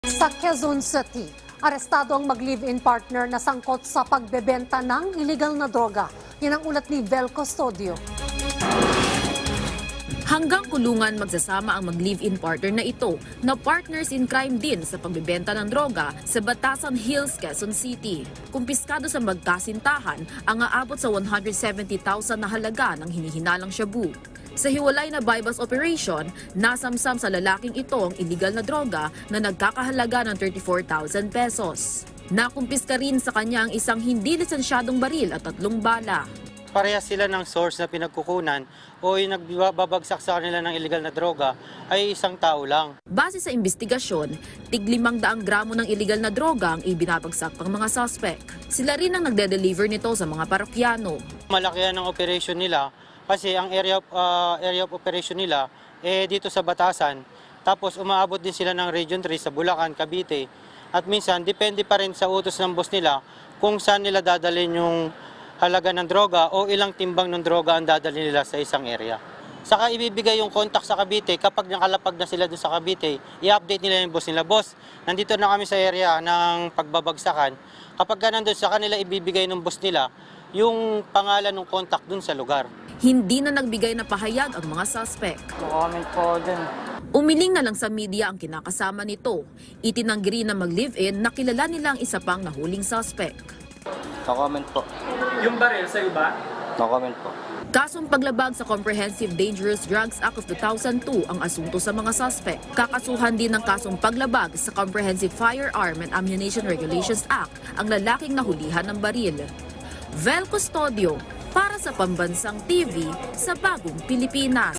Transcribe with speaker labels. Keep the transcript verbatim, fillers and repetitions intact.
Speaker 1: Sa Quezon City, arestado ang mag-live-in partner na sangkot sa pagbebenta ng illegal na droga. Yan ang ulat ni Vel Custodio.
Speaker 2: Hanggang kulungan magsasama ang mag-live-in partner na ito na partners in crime din sa pagbebenta ng droga sa Batasan Hills, Quezon City. Kumpiskado sa magkasintahan ang aabot sa one hundred seventy thousand na halaga ng hinihinalang shabu. Sa hiwalay na buy-bust operation, nasamsam sa lalaking ito ang illegal na droga na nagkakahalaga ng thirty-four thousand pesos. Nakumpiska rin sa kanya ang isang hindi lisensyadong baril at tatlong bala.
Speaker 3: Parehas sila ng source na pinagkukunan o yung nagbabagsak sa kanila ng illegal na droga ay isang tao lang.
Speaker 2: Base sa investigasyon, tig limang daang gramo ng illegal na droga ang ibinabagsak pang mga suspect. Sila rin ang nagde-deliver nito sa mga parokyano.
Speaker 3: Malaki ang operation nila kasi ang area of, uh, area of operation nila eh dito sa Batasan. Tapos umaabot din sila ng Region three sa Bulacan, Cavite. At minsan depende pa rin sa utos ng boss nila kung saan nila dadalhin yung halaga ng droga o ilang timbang ng droga ang dadalhin nila sa isang area. Saka ibibigay yung contact sa Cavite kapag nakalapag na sila doon sa Cavite, i-update nila yung boss nila. Boss, nandito na kami sa area ng pagbabagsakan. Kapag ka nandun sa kanila ibibigay ng boss nila yung pangalan ng contact doon sa lugar.
Speaker 2: Hindi na nagbigay na pahayag ang mga suspect.
Speaker 3: Comment po din.
Speaker 2: Umiling na lang sa media ang kinakasama nito. Itinanggi rin na mag-live-in na kilala nila ang isa pang nahuling suspect.
Speaker 4: No comment po.
Speaker 5: Yung baril sa'yo ba?
Speaker 4: No comment po.
Speaker 2: Kasong paglabag sa Comprehensive Dangerous Drugs Act of two thousand two ang asunto sa mga suspect. Kakasuhan din ng kasong paglabag sa Comprehensive Firearm and Ammunition Regulations Act ang lalaking nahulihan ng baril. Vel Custodio, para sa Pambansang T V sa Bagong Pilipinas.